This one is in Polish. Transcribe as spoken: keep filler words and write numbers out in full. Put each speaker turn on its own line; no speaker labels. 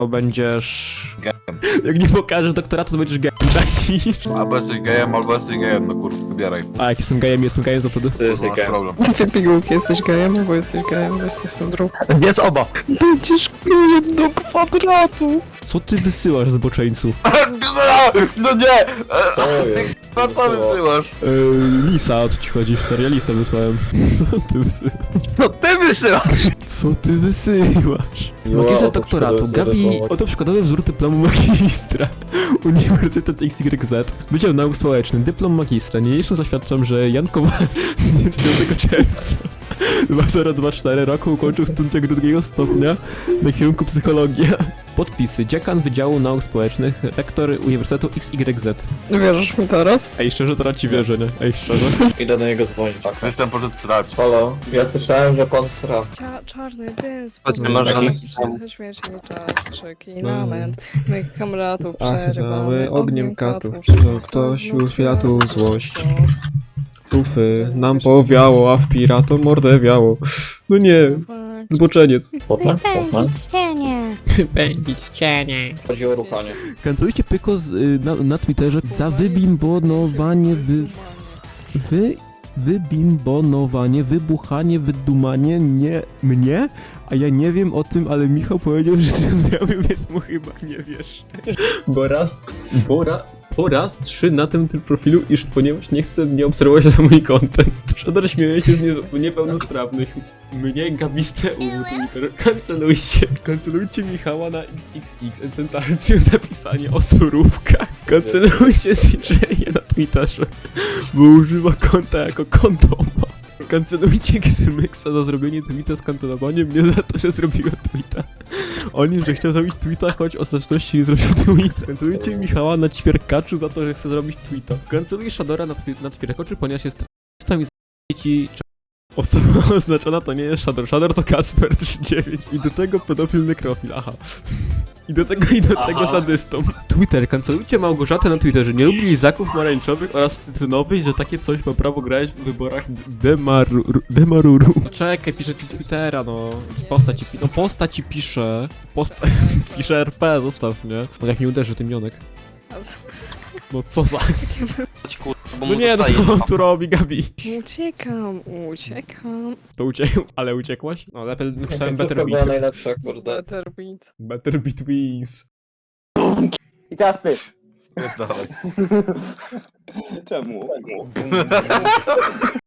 to będziesz...
Gejem.
Jak nie pokażesz doktoratu, to będziesz gejem, cześć.
Albo jesteś gejem, albo jesteś gejem, no kurwa, wybieraj.
A jak jestem gejem, jestem gejem, to wtedy?
Ty jesteś
Masz
gejem.
problem.
Ty pigułki jesteś gejem, albo jesteś gejem, bo jesteś sandrą.
Więc oba.
Będziesz gejem do kwadratu!
Co ty wysyłasz, zboczeńcu?
No nie!
To jest.
No co wysyłasz?
Yy, Lisa, o co ci chodzi? Realista wysłałem. Co ty wysyłasz?
No ty wysyłasz!
Co ty wysyłasz?
Miła,
Magister
oto
doktoratu,
przykładowy
Gabi,
dyplomat.
oto przykładowy wzór dyplomu magistra. Uniwersytet X Y Z. Wydział Nauk Społecznych, dyplom magistra. Niniejszym zaświadczam, że Jan Kowal z dnia dziewiątego czerwca dwa tysiące dwudziestego czwartego roku ukończył studia drugiego stopnia na kierunku psychologia. Podpisy. Dziekan Wydziału Nauk Społecznych, rektor Uniwersytetu X Y Z.
Wierzysz mi teraz?
Ej, szczerze, teraz ci wierzę, nie? Ej, szczerze.
Idę do niego dzwonić.
Jestem poszedł srać.
Halo, ja słyszałem, że pan sra.
Cia czarny dym
Chodźmy,
spod
może
nogi,
na-
przyjechać śmierci czas, krzyki, lament mych kamratów przerywamy
Achnały
ogniem katów,
że ktoś uświatu złość. Tufy nam powiało, a w piratom mordę wiało. No nie, zboczeniec.
Potem? Potem?
cienie.
Pędzić cienie.
Chodzi o ruchanie.
Kancelujcie Pyko z, y, na, na Twitterze za wybimbonowanie, wy... Wy... Wybimbonowanie, wybuchanie, wydumanie, nie mnie? A ja nie wiem o tym, ale Michał powiedział, że to zrobił, więc mu chyba nie wiesz. Bo raz, bo, ra, po raz trzy na tym tym profilu, iż ponieważ nie chcę mnie obserwować za mój content. Szkoda, śmieję się z nie, niepełnosprawnych. Mnie, Gabiste U, Twitter. Kancelujcie. Kancelujcie Michała na X X X. Tentację zapisanie o surówkach. Kancelujcie C J na Twitterze, bo używa konta jako kondoma. Kancelujcie Gzymyksa za zrobienie tweeta z kancelowaniem mnie za to, że zrobiłem tweeta. O nim, że chciał zrobić tweeta, choć ostateczności nie zrobił tweeta. Kancelujcie Michała na ćwierkaczu za to, że chce zrobić tweeta. Kanceluję Shadora na, twi- na ćwierkaczu, ponieważ jest tam jest dzieci. Osoba oznaczona to nie jest Shador. Shador to Kasper trzydzieści dziewięć. I do tego pedofil nekrofil, aha. I do tego, i do tego sadystą. Twitter. Kancelujcie Małgorzatę na Twitterze. Nie lubi lizaków pomarańczowych oraz cytrynowych, że takie coś ma prawo grać w wyborach Demaruru. Demaruru. No czekaj, pisze ci Twittera, no. Postać ci, no postać ci pisze. Posta pisze R P, zostaw mnie. No jak nie uderzy tym Jonek. No co za... No nie, no co on tu robi, Gabi?
Uciekam, uciekam.
To uciekł, ale uciekłaś? No lepiej napisałem Better
była
Beat.
najlepsza, kurde.
Better beat.
Better Beat wins.
I teraz ty.
Dawaj.
Czemu?